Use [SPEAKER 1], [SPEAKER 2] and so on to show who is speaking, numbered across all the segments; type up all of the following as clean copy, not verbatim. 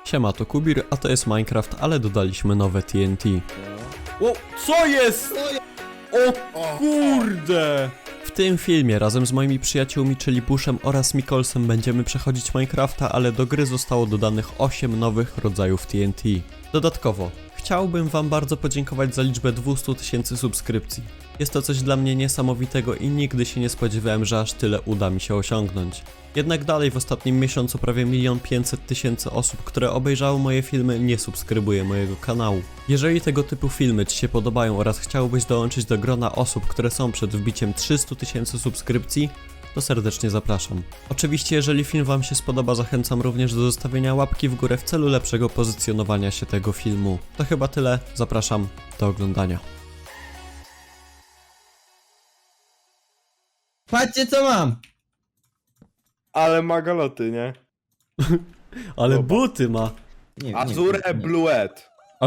[SPEAKER 1] Siema, to Kubir, a to jest Minecraft, ale dodaliśmy nowe TNT. O, co jest? O kurde! W tym filmie razem z moimi przyjaciółmi, czyli Bushem oraz Mikolsem, będziemy przechodzić Minecrafta, ale do gry zostało dodanych 8 nowych rodzajów TNT. Dodatkowo, chciałbym wam bardzo podziękować za liczbę 200 000 subskrypcji. Jest to coś dla mnie niesamowitego i nigdy się nie spodziewałem, że aż tyle uda mi się osiągnąć. Jednak dalej w ostatnim miesiącu prawie 1 500 000 osób, które obejrzały moje filmy, nie subskrybuje mojego kanału. Jeżeli tego typu filmy ci się podobają oraz chciałbyś dołączyć do grona osób, które są przed wbiciem 300 000 subskrypcji, to serdecznie zapraszam. Oczywiście jeżeli film wam się spodoba, zachęcam również do zostawienia łapki w górę w celu lepszego pozycjonowania się tego filmu. To chyba tyle, zapraszam do oglądania.
[SPEAKER 2] Patrzcie co mam!
[SPEAKER 3] Ale ma galoty, nie?
[SPEAKER 1] Ale
[SPEAKER 3] Dobra.
[SPEAKER 1] buty ma.
[SPEAKER 2] Nie,
[SPEAKER 3] Azure Bluet.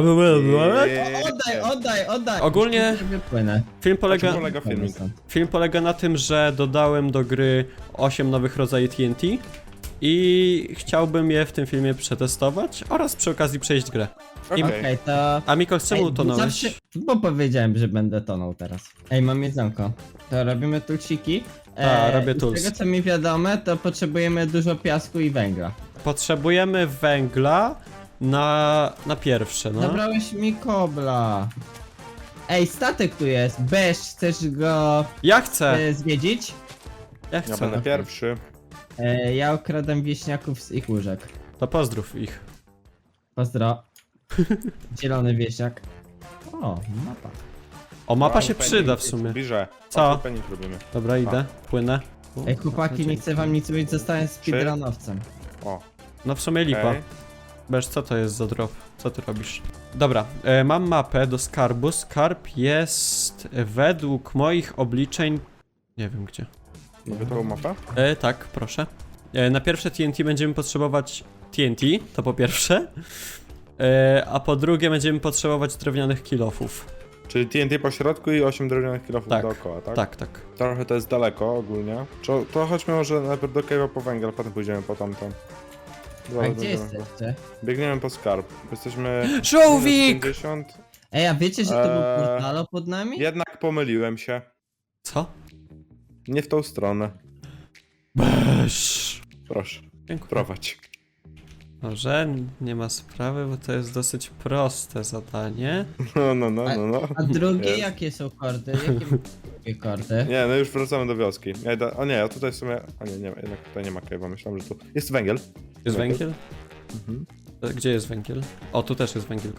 [SPEAKER 2] Oddaj!
[SPEAKER 1] Ogólnie
[SPEAKER 2] Wypłynę.
[SPEAKER 1] film
[SPEAKER 3] Na czym
[SPEAKER 1] polega...
[SPEAKER 3] polega filmik?
[SPEAKER 1] Film polega na tym, że dodałem do gry 8 nowych rodzajów TNT i chciałbym je w tym filmie przetestować oraz przy okazji przejść grę.
[SPEAKER 3] Okej.
[SPEAKER 2] Okej, to...
[SPEAKER 1] A Mikol, czemu tonąłeś?
[SPEAKER 2] zawsze- Bo powiedziałem, że będę tonął teraz. Ej, mam jedzonko. To robimy tulsiki.
[SPEAKER 1] robię
[SPEAKER 2] i
[SPEAKER 1] tools.
[SPEAKER 2] Z tego co mi wiadomo, to potrzebujemy dużo piasku i węgla.
[SPEAKER 1] Potrzebujemy węgla na pierwsze, no.
[SPEAKER 2] Zabrałeś mi kobla. Ej, statek tu jest. Bez, chcesz go
[SPEAKER 1] Ja chcę!
[SPEAKER 2] zwiedzić?
[SPEAKER 1] Ja
[SPEAKER 3] Ja
[SPEAKER 1] chcę.
[SPEAKER 3] będę pierwszy.
[SPEAKER 2] Ja okradam wieśniaków z ich łóżek.
[SPEAKER 1] To pozdrów ich.
[SPEAKER 2] Pozdro. Zielony wieśniak. O, mapa.
[SPEAKER 1] O, mapa się
[SPEAKER 3] Patrz,
[SPEAKER 1] przyda w
[SPEAKER 3] penny,
[SPEAKER 1] sumie.
[SPEAKER 3] Bliżej.
[SPEAKER 1] Co?
[SPEAKER 3] Penny robimy.
[SPEAKER 1] Dobra, idę, płynę.
[SPEAKER 2] Ej, chłopaki, nie chcę wam nic mówić, zostałem speedrunowcem.
[SPEAKER 3] O,
[SPEAKER 1] No w sumie lipa.
[SPEAKER 3] okej.
[SPEAKER 1] Bez, co to jest za drop? Co ty robisz? Dobra, mam mapę do skarbu. Skarb jest według moich obliczeń... Nie wiem gdzie.
[SPEAKER 3] Mogę tą mapę?
[SPEAKER 1] Tak, proszę. Na pierwsze TNT będziemy potrzebować TNT, to po pierwsze. A po drugie będziemy potrzebować drewnianych kilofów.
[SPEAKER 3] Czyli TNT po środku i 8 drewnianych kilofów
[SPEAKER 1] Tak,
[SPEAKER 3] dookoła, tak?
[SPEAKER 1] Tak.
[SPEAKER 3] Trochę to jest daleko ogólnie. To chodźmy może najpierw do cave'a po węgiel, potem pójdziemy po tamtą.
[SPEAKER 2] A
[SPEAKER 3] Zaraz
[SPEAKER 2] gdzie
[SPEAKER 3] będziemy-
[SPEAKER 2] jesteście?
[SPEAKER 3] Biegniemy po skarb. Jesteśmy...
[SPEAKER 1] Żółwik!
[SPEAKER 3] 50.
[SPEAKER 2] Ej, a wiecie, że to był
[SPEAKER 3] Eee,
[SPEAKER 2] portalo pod nami?
[SPEAKER 3] Jednak pomyliłem się.
[SPEAKER 1] Co?
[SPEAKER 3] Nie w tą stronę.
[SPEAKER 1] Beż.
[SPEAKER 3] Proszę,
[SPEAKER 1] Dziękuję.
[SPEAKER 3] prowadź.
[SPEAKER 1] Może nie ma sprawy, bo to jest dosyć proste zadanie.
[SPEAKER 3] No.
[SPEAKER 2] A drugie,
[SPEAKER 3] Jest.
[SPEAKER 2] jakie są kordy? Jakie drugie kordy?
[SPEAKER 3] Nie, no już wracamy do wioski. Ja idę... O nie, ja tutaj w sumie... O nie, jednak tutaj nie ma cave'a, myślałem, że tu... Jest węgiel.
[SPEAKER 1] Jest węgiel?
[SPEAKER 3] Mhm.
[SPEAKER 1] Gdzie jest węgiel? O, tu też jest węgiel.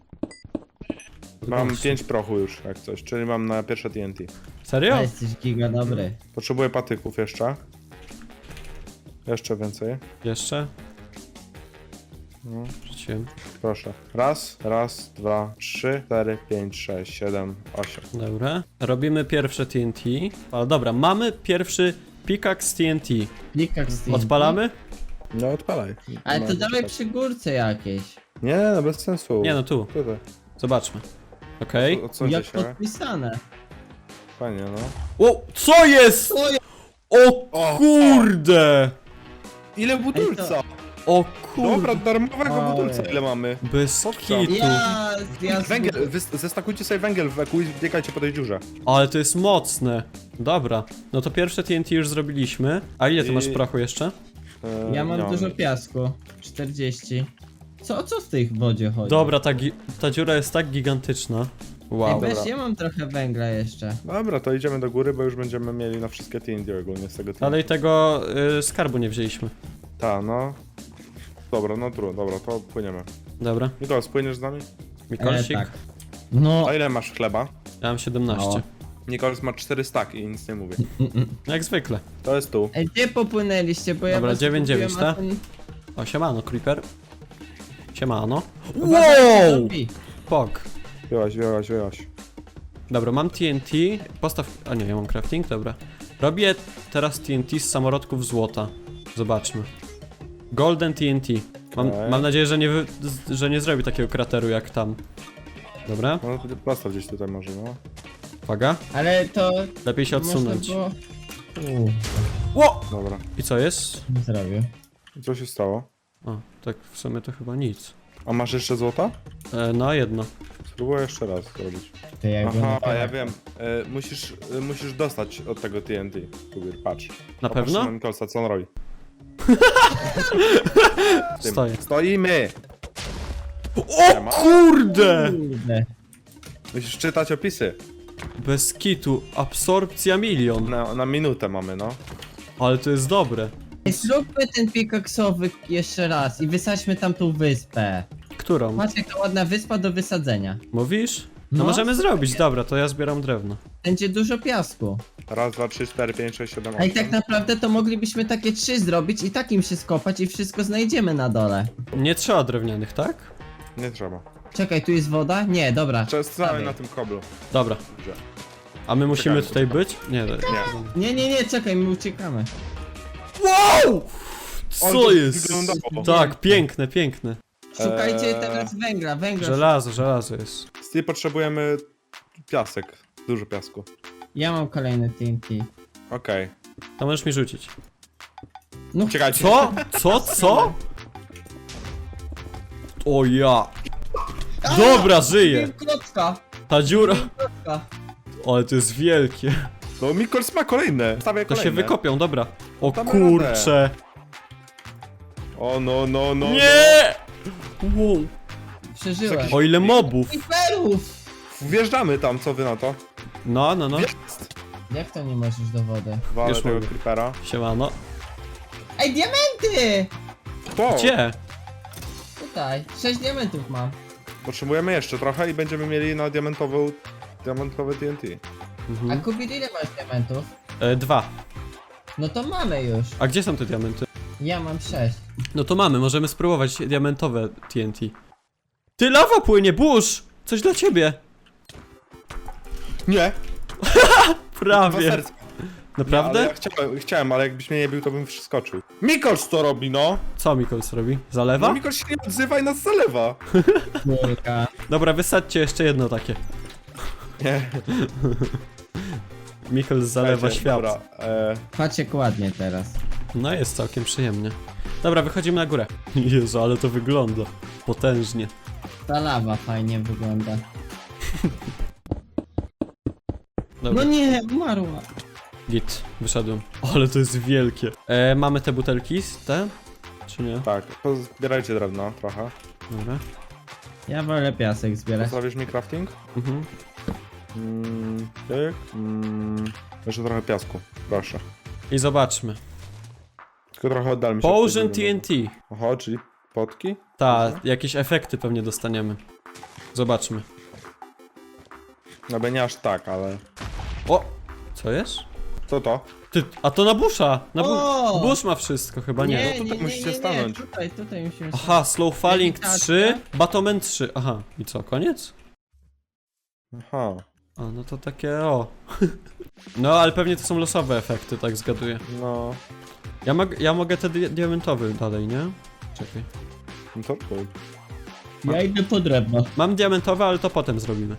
[SPEAKER 3] Mam 5 prochu już, jak coś, czyli mam na pierwsze TNT.
[SPEAKER 1] Serio?
[SPEAKER 2] A jesteś giga dobry.
[SPEAKER 3] Potrzebuję patyków jeszcze. Jeszcze więcej.
[SPEAKER 1] Jeszcze?
[SPEAKER 3] No,
[SPEAKER 1] Wrzuciłem.
[SPEAKER 3] proszę. Raz, 2, 3, 4, 5, 6, 7, 8.
[SPEAKER 1] Dobra. Robimy pierwsze TNT. O, dobra, mamy pierwszy pickaxe TNT.
[SPEAKER 2] Klikak z tym.
[SPEAKER 1] Odpalamy?
[SPEAKER 3] No odpalaj.
[SPEAKER 2] Ale to
[SPEAKER 3] Mam
[SPEAKER 2] dawaj
[SPEAKER 3] tak.
[SPEAKER 2] przy górce jakieś.
[SPEAKER 3] Nie, no bez sensu.
[SPEAKER 1] Nie no, tu.
[SPEAKER 3] Tutaj.
[SPEAKER 1] Zobaczmy. Okej.
[SPEAKER 3] Odsuńcie
[SPEAKER 2] Jak
[SPEAKER 3] się.
[SPEAKER 2] podpisane.
[SPEAKER 3] Fajnie, no.
[SPEAKER 1] O, co jest? O kurde!
[SPEAKER 3] Ile budulca?
[SPEAKER 1] O kurde!
[SPEAKER 3] Dobra, darmowego
[SPEAKER 2] Ojej.
[SPEAKER 3] budulca ile mamy?
[SPEAKER 1] Bez kitu.
[SPEAKER 2] Ja
[SPEAKER 3] Węgiel, zestakujcie sobie węgiel w eku i biegajcie po tej dziurze.
[SPEAKER 1] Ale to jest mocne. Dobra. No to pierwsze TNT już zrobiliśmy. A ile ty
[SPEAKER 3] I-
[SPEAKER 1] masz prochu jeszcze?
[SPEAKER 2] Ja mam
[SPEAKER 3] nie
[SPEAKER 2] dużo piasku. 40. Co w tej wodzie chodzi?
[SPEAKER 1] Dobra, ta dziura jest tak gigantyczna.
[SPEAKER 2] Ej,
[SPEAKER 1] Wow.
[SPEAKER 2] weź,
[SPEAKER 3] Dobra.
[SPEAKER 2] ja mam trochę węgla jeszcze.
[SPEAKER 3] Dobra, to idziemy do góry, bo już będziemy mieli na wszystkie TNT ogólnie z tego TNT.
[SPEAKER 1] Ale i tego skarbu nie wzięliśmy.
[SPEAKER 3] Ta, no. Dobra, no trudno, dobra, to płyniemy.
[SPEAKER 1] Dobra.
[SPEAKER 3] Nikolas, płyniesz z nami?
[SPEAKER 1] Mikolsik?
[SPEAKER 2] Tak. No,
[SPEAKER 3] A ile masz chleba?
[SPEAKER 1] Ja mam 17.
[SPEAKER 2] O.
[SPEAKER 3] Nikolas ma 4 staki i nic nie mówię.
[SPEAKER 1] Jak zwykle.
[SPEAKER 3] To jest tu.
[SPEAKER 2] Ej, gdzie popłynęliście, bo ja
[SPEAKER 1] Dobra,
[SPEAKER 2] was
[SPEAKER 1] 9-9,
[SPEAKER 2] kupiłem, a
[SPEAKER 1] tak?
[SPEAKER 2] ten-
[SPEAKER 1] O, siemano, creeper. Siemano.
[SPEAKER 2] Uważajcie,
[SPEAKER 1] Wow!
[SPEAKER 2] zombie.
[SPEAKER 1] Pok.
[SPEAKER 3] Wyłaś.
[SPEAKER 1] Dobra, mam TNT. Postaw... A nie, ja mam crafting, dobra. Robię teraz TNT z samorodków złota. Zobaczmy. Golden TNT.
[SPEAKER 3] Okej.
[SPEAKER 1] Mam nadzieję, że nie zrobi takiego krateru jak tam. Dobra,
[SPEAKER 3] No, postaw gdzieś tutaj może, no.
[SPEAKER 1] uwaga.
[SPEAKER 2] Ale to...
[SPEAKER 1] Lepiej się odsunąć.
[SPEAKER 2] Można było...
[SPEAKER 1] Ło!
[SPEAKER 3] Dobra.
[SPEAKER 1] I co jest?
[SPEAKER 2] Nie zrobił.
[SPEAKER 3] Co się stało?
[SPEAKER 1] O, tak w sumie to chyba nic.
[SPEAKER 3] A masz jeszcze złota?
[SPEAKER 1] No, jedno.
[SPEAKER 3] Spróbuję jeszcze raz zrobić.
[SPEAKER 2] To ja go
[SPEAKER 3] Aha,
[SPEAKER 2] na
[SPEAKER 3] ja wiem. Musisz dostać od tego TNT. Kubir, patrz.
[SPEAKER 1] Na
[SPEAKER 3] Popatrz
[SPEAKER 1] pewno?
[SPEAKER 3] na Nikolsa, co on robi. Tym.
[SPEAKER 1] Stoję.
[SPEAKER 3] Stoimy!
[SPEAKER 1] O kurde!
[SPEAKER 2] Kurde.
[SPEAKER 3] Musisz czytać opisy.
[SPEAKER 1] Bez kitu, absorpcja milion.
[SPEAKER 3] Na minutę mamy, no.
[SPEAKER 1] Ale to jest dobre.
[SPEAKER 2] Ej, zróbmy ten pikaksowy jeszcze raz i wysadźmy tam tą wyspę.
[SPEAKER 1] Którą?
[SPEAKER 2] Patrz jaka ładna wyspa do wysadzenia.
[SPEAKER 1] Mówisz? No
[SPEAKER 2] No.
[SPEAKER 1] możemy zrobić, dobra, to ja zbieram drewno.
[SPEAKER 2] Będzie dużo piasku.
[SPEAKER 3] Raz, dwa, trzy, cztery, pięć, sześć, siedem,
[SPEAKER 2] A i
[SPEAKER 3] osiem.
[SPEAKER 2] tak naprawdę to moglibyśmy takie 3 zrobić i takim się skopać i wszystko znajdziemy na dole.
[SPEAKER 1] Nie trzeba drewnianych, tak?
[SPEAKER 3] Nie trzeba.
[SPEAKER 2] Czekaj, tu jest woda? Nie, dobra.
[SPEAKER 3] Często
[SPEAKER 2] Dawaj.
[SPEAKER 3] na tym koblu.
[SPEAKER 1] Dobra.
[SPEAKER 3] Dobrze.
[SPEAKER 1] A my musimy
[SPEAKER 3] Czekamy.
[SPEAKER 1] tutaj być? Nie,
[SPEAKER 3] Nie.
[SPEAKER 2] Nie, czekaj, my uciekamy.
[SPEAKER 1] Wow!
[SPEAKER 3] Ale
[SPEAKER 1] Co
[SPEAKER 3] to
[SPEAKER 1] jest?
[SPEAKER 3] wyglądało.
[SPEAKER 1] Tak, piękne, piękne.
[SPEAKER 2] Szukajcie teraz węgla.
[SPEAKER 1] Żelazo jest.
[SPEAKER 3] Steve, potrzebujemy piasek. Dużo piasku.
[SPEAKER 2] Ja mam kolejny TNT.
[SPEAKER 3] Okej.
[SPEAKER 1] To możesz mi rzucić.
[SPEAKER 2] No
[SPEAKER 3] Czekajcie.
[SPEAKER 1] Co? O ja. Dobra, żyję.
[SPEAKER 2] Klocka.
[SPEAKER 1] Ta dziura.
[SPEAKER 2] Klocka.
[SPEAKER 1] Ale to jest wielkie.
[SPEAKER 3] No Mikols ma kolejne. Stawiaj
[SPEAKER 1] To
[SPEAKER 3] kolejne.
[SPEAKER 1] się wykopią, dobra. O
[SPEAKER 3] Damy
[SPEAKER 1] kurcze.
[SPEAKER 3] O no.
[SPEAKER 1] Nie! Wow.
[SPEAKER 2] Przeżyłem.
[SPEAKER 1] O ile mobów.
[SPEAKER 2] Creeperów!
[SPEAKER 3] Wjeżdżamy tam, co wy na to?
[SPEAKER 1] No.
[SPEAKER 3] Jest.
[SPEAKER 2] Jak to nie możesz do wody?
[SPEAKER 3] Walę
[SPEAKER 1] Już
[SPEAKER 3] tego
[SPEAKER 1] mogę.
[SPEAKER 3] creepera.
[SPEAKER 1] Siemano.
[SPEAKER 2] Ej, diamenty!
[SPEAKER 3] To!
[SPEAKER 1] Gdzie?
[SPEAKER 2] Tutaj. 6 diamentów mam.
[SPEAKER 3] Potrzebujemy jeszcze trochę i będziemy mieli na diamentowe TNT.
[SPEAKER 2] A
[SPEAKER 1] Mhm.
[SPEAKER 2] Kubir, ile masz diamentów?
[SPEAKER 1] 2.
[SPEAKER 2] No to mamy już.
[SPEAKER 1] A gdzie są te diamenty?
[SPEAKER 2] Ja mam 6.
[SPEAKER 1] No to mamy, możemy spróbować diamentowe TNT. Ty, lawa płynie, burz! Coś dla ciebie.
[SPEAKER 3] Nie!
[SPEAKER 1] Prawie.
[SPEAKER 3] Nie,
[SPEAKER 1] Naprawdę?
[SPEAKER 3] ale ja chciałem, ale jakbyś mnie nie bił, to bym wskoczył. Mikols to robi, no!
[SPEAKER 1] Co Mikols robi?
[SPEAKER 3] No
[SPEAKER 1] Zalewa?
[SPEAKER 3] Mikols się nie odzywa i nas zalewa.
[SPEAKER 2] Kurka.
[SPEAKER 1] Dobra, wysadźcie jeszcze jedno takie.
[SPEAKER 3] Nie.
[SPEAKER 1] Mikols zalewa
[SPEAKER 3] Słuchajcie,
[SPEAKER 1] świat.
[SPEAKER 3] Dobra,
[SPEAKER 2] Patrz jak ładnie teraz.
[SPEAKER 1] No jest całkiem przyjemnie. Dobra, wychodzimy na górę. Jezu, ale to wygląda potężnie.
[SPEAKER 2] Ta lawa fajnie wygląda.
[SPEAKER 1] Dobra,
[SPEAKER 2] No nie, umarła.
[SPEAKER 1] git, wyszedłem. Ale to jest wielkie. Mamy te butelki, te? Czy nie?
[SPEAKER 3] tak, zbierajcie drewno trochę.
[SPEAKER 1] Dobra.
[SPEAKER 2] Ja wolę piasek zbierać.
[SPEAKER 3] Postawisz mi crafting?
[SPEAKER 1] Mhm.
[SPEAKER 3] Tyk. Jeszcze trochę piasku, proszę.
[SPEAKER 1] I zobaczmy.
[SPEAKER 3] Tylko trochę oddal mi się.
[SPEAKER 1] Potion
[SPEAKER 3] od tego
[SPEAKER 1] TNT.
[SPEAKER 3] Oho, czyli potki?
[SPEAKER 1] Ta, jakieś efekty pewnie dostaniemy. Zobaczmy.
[SPEAKER 3] No by nie aż tak, ale...
[SPEAKER 1] O! Co jest?
[SPEAKER 3] Co to?
[SPEAKER 1] Ty, a to na busza!
[SPEAKER 2] O!
[SPEAKER 1] Bush ma wszystko, chyba nie.
[SPEAKER 3] tutaj musicie stanąć.
[SPEAKER 2] Tutaj musimy
[SPEAKER 1] Aha, slow falling
[SPEAKER 2] Lewitacja.
[SPEAKER 1] 3, Batman 3. Aha, i co, koniec?
[SPEAKER 3] Aha.
[SPEAKER 1] A, no to takie o. No, ale pewnie to są losowe efekty, tak zgaduję.
[SPEAKER 3] No...
[SPEAKER 1] Ja mogę te diamentowe dalej, nie? Czekaj.
[SPEAKER 3] No to cool.
[SPEAKER 2] Ja idę po drewno.
[SPEAKER 1] Mam diamentowe, ale to potem zrobimy.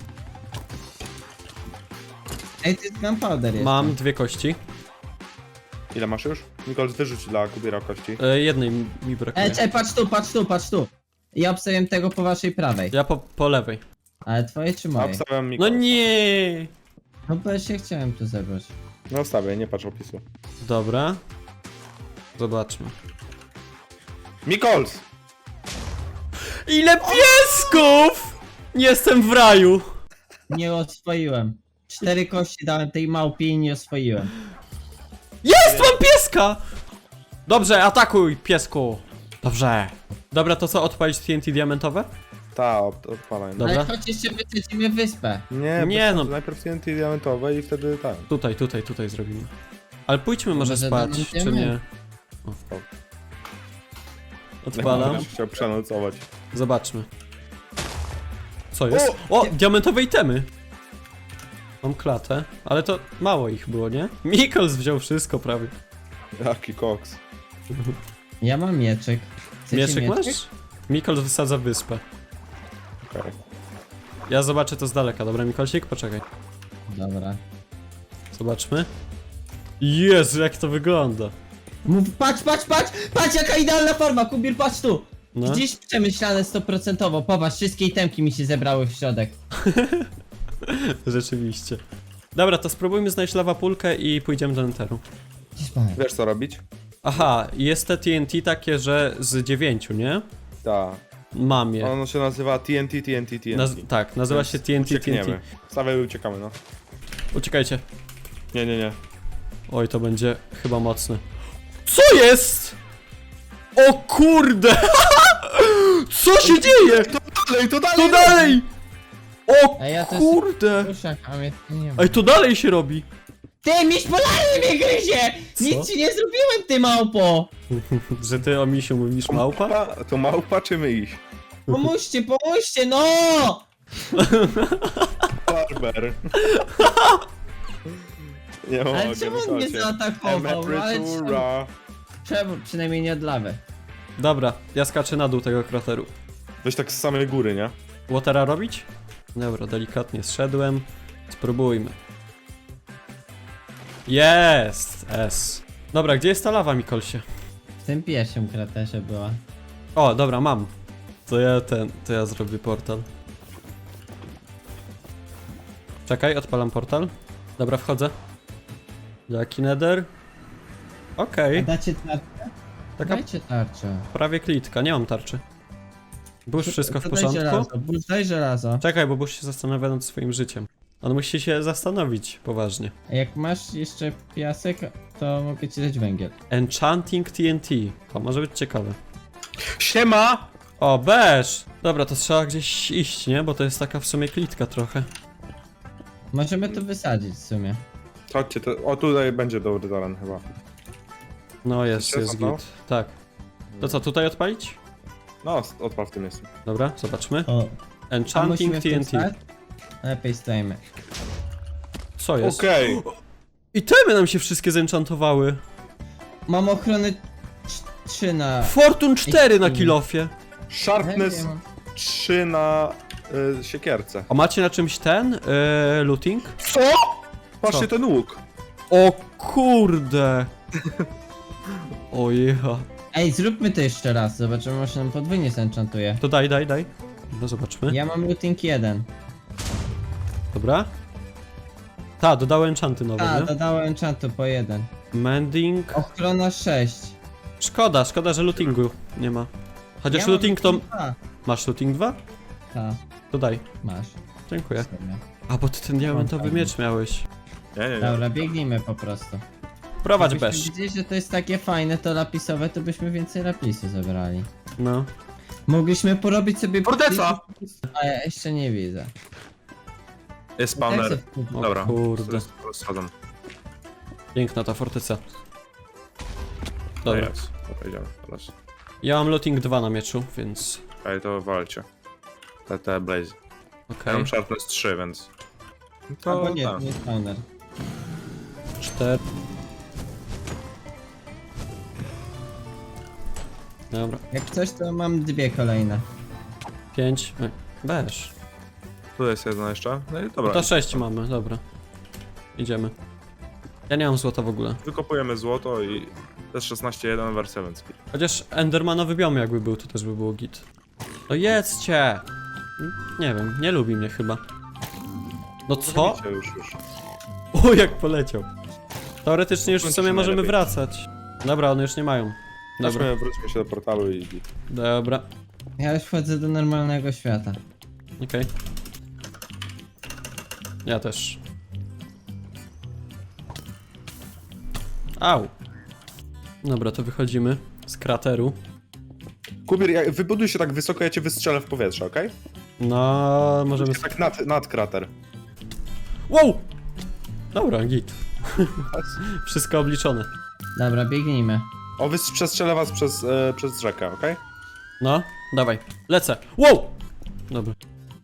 [SPEAKER 2] Ej, to jest gunpowder jest.
[SPEAKER 1] Mam 2 kości.
[SPEAKER 3] Ile masz już? Mikols, wyrzuć dla Kubiera kości.
[SPEAKER 1] Jednej mi brakuje.
[SPEAKER 2] Ej, patrz tu. Ja obstawiam tego po waszej prawej.
[SPEAKER 1] Ja po lewej.
[SPEAKER 2] Ale twoje czy
[SPEAKER 3] A
[SPEAKER 2] moje?
[SPEAKER 3] obstawiam
[SPEAKER 1] No
[SPEAKER 3] Mikolsa.
[SPEAKER 1] nie!
[SPEAKER 2] No bo ja się chciałem tu zebrać.
[SPEAKER 3] No obstawiaj, nie patrz opisu.
[SPEAKER 1] Dobra. Zobaczmy.
[SPEAKER 3] Mikols!
[SPEAKER 1] Ile piesków! Jestem w raju!
[SPEAKER 2] Nie oswoiłem. 4 kości dałem tej małpie i nie oswoiłem.
[SPEAKER 1] Jest! Mam pieska! Dobrze, atakuj, piesku! Dobrze. Dobra, to co, odpalić TNT diamentowe?
[SPEAKER 3] Ta, odpalaj.
[SPEAKER 1] Dobra.
[SPEAKER 2] Ale choć jeszcze wysadzimy wyspę.
[SPEAKER 3] Nie,
[SPEAKER 1] Nie,
[SPEAKER 3] no.
[SPEAKER 1] no.
[SPEAKER 3] Najpierw TNT diamentowe i wtedy tak.
[SPEAKER 1] Tutaj zrobimy. Ale pójdźmy może
[SPEAKER 2] Może
[SPEAKER 1] spać,
[SPEAKER 2] damy
[SPEAKER 1] czy nie?
[SPEAKER 2] diament.
[SPEAKER 1] O. Odpalam.
[SPEAKER 3] Będziesz chciał przenocować.
[SPEAKER 1] Zobaczmy. Co jest? O! Diamentowe itemy! Mam klatę, ale to mało ich było, nie? Mikols wziął wszystko prawie.
[SPEAKER 3] Jaki koks.
[SPEAKER 2] Ja mam mieczek. Chcecie
[SPEAKER 1] Mieczek masz? Mikols wysadza wyspę.
[SPEAKER 3] Okej.
[SPEAKER 1] Ja zobaczę to z daleka, dobra Mikolsik? Poczekaj.
[SPEAKER 2] Dobra.
[SPEAKER 1] Zobaczmy. Jezu, jak to wygląda.
[SPEAKER 2] Patrz jaka idealna forma, Kubir, patrz tu!
[SPEAKER 1] No.
[SPEAKER 2] Gdzieś przemyślane 100%, popatrz, wszystkie itemki mi się zebrały w środek.
[SPEAKER 1] Rzeczywiście. Dobra, to spróbujmy znaleźć lawapulkę i pójdziemy do Netheru.
[SPEAKER 2] Gdzieś pan.
[SPEAKER 3] Wiesz co robić?
[SPEAKER 1] Aha, jest te TNT takie, że z 9, nie?
[SPEAKER 3] Tak.
[SPEAKER 1] Mam je.
[SPEAKER 3] Ono się nazywa TNT.
[SPEAKER 1] Tak, nazywa się TNT.
[SPEAKER 3] Uciekniemy. Stawiaj i uciekamy, no.
[SPEAKER 1] Uciekajcie.
[SPEAKER 3] Nie.
[SPEAKER 1] Oj, to będzie chyba mocne. Co jest? O kurde! Co się dzieje?
[SPEAKER 3] To dalej!
[SPEAKER 1] To dalej! O
[SPEAKER 2] A ja też-
[SPEAKER 1] kurde!
[SPEAKER 2] Puszak, a mnie tu nie ma.
[SPEAKER 1] Ej, to dalej się robi.
[SPEAKER 2] Ty, miś polany mnie gryzie!
[SPEAKER 1] Co?
[SPEAKER 2] Nic ci nie zrobiłem, ty małpo!
[SPEAKER 1] Że ty o misiu mówisz małpa?
[SPEAKER 3] To małpa czy my iść?
[SPEAKER 2] Pomóżcie, no!
[SPEAKER 3] Barber. Nie mogę,
[SPEAKER 2] Ale czemu on mnie
[SPEAKER 3] słuchajcie.
[SPEAKER 2] zaatakował? No, ale
[SPEAKER 3] Emerytura.
[SPEAKER 2] czemu? Przynajmniej nie od lawy.
[SPEAKER 1] Dobra, ja skaczę na dół tego krateru.
[SPEAKER 3] Weź tak z samej góry, nie?
[SPEAKER 1] Watera robić? Dobra, delikatnie zszedłem. Spróbujmy. Jest! S. Dobra, gdzie jest ta lawa, Mikolsie?
[SPEAKER 2] W tym pierwszym kraterze była.
[SPEAKER 1] O, dobra, mam. To ja zrobię portal. Czekaj, odpalam portal. Dobra, wchodzę. Jaki nether? Okej,
[SPEAKER 2] Dacie tarczę?
[SPEAKER 1] taka
[SPEAKER 2] Dajcie tarczę.
[SPEAKER 1] prawie klitka, nie mam tarczy. Bush, wszystko w
[SPEAKER 2] To
[SPEAKER 1] porządku?
[SPEAKER 2] Daj żelazo, Bush, daj żelazo.
[SPEAKER 1] Czekaj, bo Bush się zastanawia nad swoim życiem. On musi się zastanowić, poważnie.
[SPEAKER 2] A jak masz jeszcze piasek, to mogę ci dać węgiel.
[SPEAKER 1] Enchanting TNT. To może być ciekawe.
[SPEAKER 3] Siema!
[SPEAKER 1] O, beż! Dobra, to trzeba gdzieś iść, nie? Bo to jest taka w sumie klitka trochę.
[SPEAKER 2] Możemy to wysadzić w sumie.
[SPEAKER 3] Chodźcie, o tutaj będzie dobry teren chyba.
[SPEAKER 1] No jest
[SPEAKER 3] Chcecie zapał?
[SPEAKER 1] git. Tak. To co, tutaj odpalić?
[SPEAKER 3] No, odpal w tym miejscu.
[SPEAKER 1] Dobra, zobaczmy.
[SPEAKER 2] O. A
[SPEAKER 1] Enchanting
[SPEAKER 2] musimy w tym
[SPEAKER 1] TNT.
[SPEAKER 2] stać? Lepiej stajemy.
[SPEAKER 1] Co jest?
[SPEAKER 3] Okej.
[SPEAKER 1] Itemy nam się wszystkie zenchantowały.
[SPEAKER 2] Mam ochrony 3 na...
[SPEAKER 1] Fortune 4 na kilofie.
[SPEAKER 3] Sharpness 3 na siekierce.
[SPEAKER 1] A macie na czymś ten? Looting?
[SPEAKER 3] Co? Patrzcie
[SPEAKER 1] Co?
[SPEAKER 3] ten łuk.
[SPEAKER 1] O kurde! Ojecha.
[SPEAKER 2] Ej, zróbmy to jeszcze raz, zobaczymy, może nam podwójnie zenchantuje.
[SPEAKER 1] To daj. No zobaczmy.
[SPEAKER 2] Ja mam looting 1.
[SPEAKER 1] Dobra. Ta, dodałem enchanty nowe,
[SPEAKER 2] A,
[SPEAKER 1] nie?
[SPEAKER 2] dodałem enchantu po 1.
[SPEAKER 1] Mending.
[SPEAKER 2] Ochrona 6.
[SPEAKER 1] Szkoda, że lootingu nie ma. Chociaż looting to...
[SPEAKER 2] A,
[SPEAKER 1] Masz looting 2?
[SPEAKER 2] ta,
[SPEAKER 1] To daj.
[SPEAKER 2] masz.
[SPEAKER 1] Dziękuję.
[SPEAKER 2] Sobie.
[SPEAKER 1] A, bo ty ten diamentowy
[SPEAKER 2] fajnie.
[SPEAKER 1] miecz miałeś.
[SPEAKER 3] Nie.
[SPEAKER 2] Dobra, biegnijmy po prostu.
[SPEAKER 1] Prowadź
[SPEAKER 2] Gdybyśmy
[SPEAKER 1] bez.
[SPEAKER 2] widzieli, że to jest takie fajne, to lapisowe, to byśmy więcej lapisu zebrali.
[SPEAKER 1] No.
[SPEAKER 2] Mogliśmy porobić sobie...
[SPEAKER 3] Forteca!
[SPEAKER 2] A ja jeszcze nie widzę.
[SPEAKER 3] Jest
[SPEAKER 2] Jak
[SPEAKER 3] spawner.
[SPEAKER 2] se wkupić?
[SPEAKER 1] O
[SPEAKER 3] Dobra.
[SPEAKER 1] kurde.
[SPEAKER 3] Schadzam.
[SPEAKER 1] Piękna ta forteca. Dobra.
[SPEAKER 3] Jest. Dobra, idziemy teraz.
[SPEAKER 1] Ja mam looting 2 na mieczu, więc...
[SPEAKER 3] Ej, to walcie. Te blaze. Ja
[SPEAKER 1] Okej.
[SPEAKER 3] mam sharpness 3, więc...
[SPEAKER 2] Albo nie,
[SPEAKER 3] tak.
[SPEAKER 2] nie spawner.
[SPEAKER 1] 4. Dobra.
[SPEAKER 2] Jak coś, to mam 2 kolejne.
[SPEAKER 1] 5. Weź.
[SPEAKER 3] Tu jest jedno jeszcze. No i dobra.
[SPEAKER 1] To 6 mamy, dobra. Idziemy. Ja nie mam złota w ogóle.
[SPEAKER 3] Wykopujemy złoto i... To jest 16.1 wersja, więc...
[SPEAKER 1] Chociaż Endermanowy biom jakby był, to też by było git. No jedzcie! Nie wiem, nie lubi mnie chyba. No co?
[SPEAKER 3] Zabicie już.
[SPEAKER 1] O, jak poleciał. Teoretycznie już w
[SPEAKER 3] Bądź
[SPEAKER 1] sumie możemy
[SPEAKER 3] najlepiej.
[SPEAKER 1] wracać. Dobra, one już nie mają. Dobra,
[SPEAKER 3] Wróćmy się do portalu i...
[SPEAKER 1] dobra.
[SPEAKER 2] Ja już wchodzę do normalnego świata.
[SPEAKER 1] Okej. Ja też. Au. Dobra, to wychodzimy z krateru.
[SPEAKER 3] Kubir, wybuduj się tak wysoko, ja cię wystrzelę w powietrze, okej?
[SPEAKER 1] No, możemy...
[SPEAKER 3] Tak nad krater.
[SPEAKER 1] Wow! Dobra, git. Wszystko obliczone.
[SPEAKER 2] Dobra, biegnijmy.
[SPEAKER 3] O, przestrzelę was przez rzekę, okej?
[SPEAKER 1] No, dawaj. Lecę. Wow! Dobra.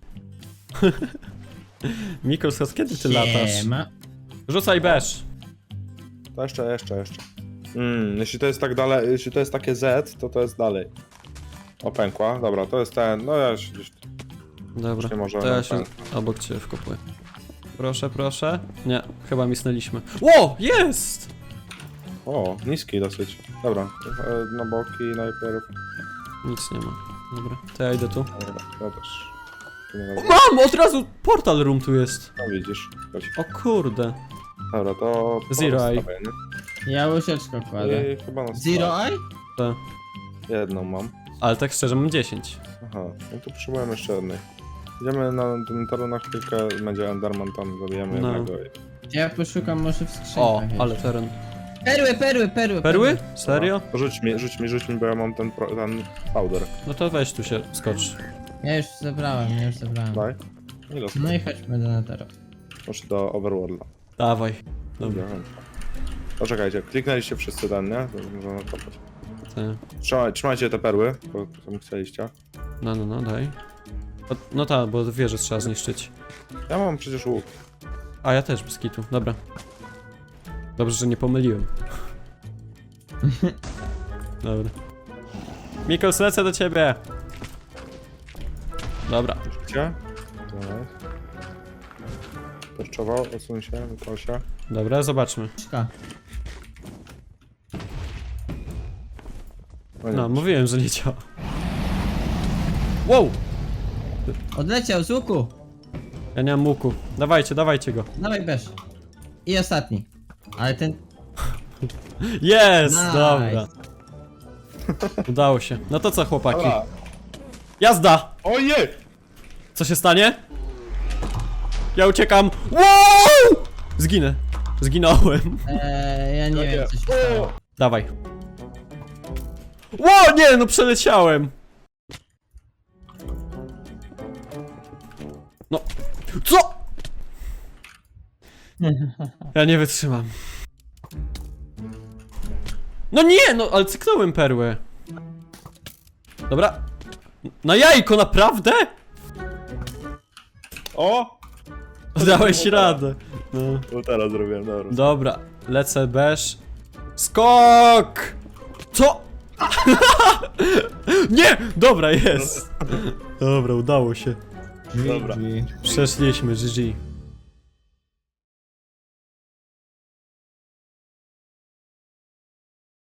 [SPEAKER 1] Mikols, kiedy ty latasz?
[SPEAKER 2] Siema.
[SPEAKER 1] Rzucaj beż.
[SPEAKER 3] To jeszcze. Jeśli to jest tak dalej, jeśli to jest takie Z, to jest dalej. O, pękła. Dobra, to jest ten, no ja się gdzieś...
[SPEAKER 1] Dobra,
[SPEAKER 3] Nie może
[SPEAKER 1] to ja
[SPEAKER 3] nam
[SPEAKER 1] się
[SPEAKER 3] ten.
[SPEAKER 1] obok ciebie wkopuję. Proszę. Nie, chyba misnęliśmy. Ło, jest!
[SPEAKER 3] O, niski dosyć. Dobra, na boki najpierw.
[SPEAKER 1] Nic nie ma. Dobra, to ja idę tu.
[SPEAKER 3] Dobra, ja też. Tu nie ma-
[SPEAKER 1] Mam! Od razu portal room tu jest.
[SPEAKER 3] No widzisz. Chodź.
[SPEAKER 1] O kurde.
[SPEAKER 3] Dobra, to...
[SPEAKER 1] Zero eye.
[SPEAKER 3] postawię, nie?
[SPEAKER 2] Ja łyżeczkę kładę.
[SPEAKER 3] I chyba na
[SPEAKER 2] Zero eye?
[SPEAKER 1] To.
[SPEAKER 3] Jedną mam.
[SPEAKER 1] Ale tak szczerze mam 10.
[SPEAKER 3] Aha, no to potrzebujemy jeszcze jednej. Idziemy na ten teren na chwilkę, będzie Enderman, tam zabijemy
[SPEAKER 1] No.
[SPEAKER 3] jednego.
[SPEAKER 2] Ja poszukam może w skrzynkach.
[SPEAKER 1] O,
[SPEAKER 2] jeszcze.
[SPEAKER 1] ale teren.
[SPEAKER 2] Perły.
[SPEAKER 1] Perły? Serio?
[SPEAKER 3] To rzuć mi, bo ja mam ten powder.
[SPEAKER 1] No to weź tu się skocz.
[SPEAKER 2] Ja już zebrałem.
[SPEAKER 3] Daj. Ile
[SPEAKER 2] No i chodźmy do Netera.
[SPEAKER 3] Proszę do Overworlda.
[SPEAKER 1] Dawaj. Dobra.
[SPEAKER 3] Poczekajcie, kliknęliście wszyscy ten, nie? To możemy kopać.
[SPEAKER 1] Ty.
[SPEAKER 3] Trzymajcie te perły, bo tam chcieliście.
[SPEAKER 1] No, daj. No tak, bo wieżę trzeba zniszczyć.
[SPEAKER 3] Ja mam przecież łuk.
[SPEAKER 1] A ja też, bez kitu. Dobra. Dobrze, że nie pomyliłem. Dobra. Mikos, lecę do ciebie! Dobra.
[SPEAKER 3] Gdzie? Perczował, odsuń się, wypal się.
[SPEAKER 1] Dobra, zobaczmy.
[SPEAKER 2] Szka.
[SPEAKER 3] No nie.
[SPEAKER 1] No, mówiłem, że nie działa. Wow!
[SPEAKER 2] Odleciał z łuku.
[SPEAKER 1] Ja nie mam łuku. Dawajcie go.
[SPEAKER 2] Dawaj bierz. I ostatni. Ale ten...
[SPEAKER 1] Jest!
[SPEAKER 2] Nice.
[SPEAKER 1] Dobra. Udało się. No to co, chłopaki?
[SPEAKER 3] Dobra.
[SPEAKER 1] Jazda!
[SPEAKER 3] Ojej!
[SPEAKER 1] Co się stanie? Ja uciekam. Wow! Zginę. Zginąłem.
[SPEAKER 2] ja nie wiem co się stało.
[SPEAKER 1] Dawaj. Ło, nie, no przeleciałem. No. Co? Ja nie wytrzymam. No nie, no ale cyknąłem perłę. Dobra. Na jajko, naprawdę?
[SPEAKER 3] O!
[SPEAKER 1] Dałeś radę. No.
[SPEAKER 3] No teraz zrobiłem, dobra.
[SPEAKER 1] Dobra, lecę bez. Skok! Co? Nie! Dobra, jest. Dobra, udało się.
[SPEAKER 3] Dobra.
[SPEAKER 2] GG.
[SPEAKER 1] Przeszliśmy, GG.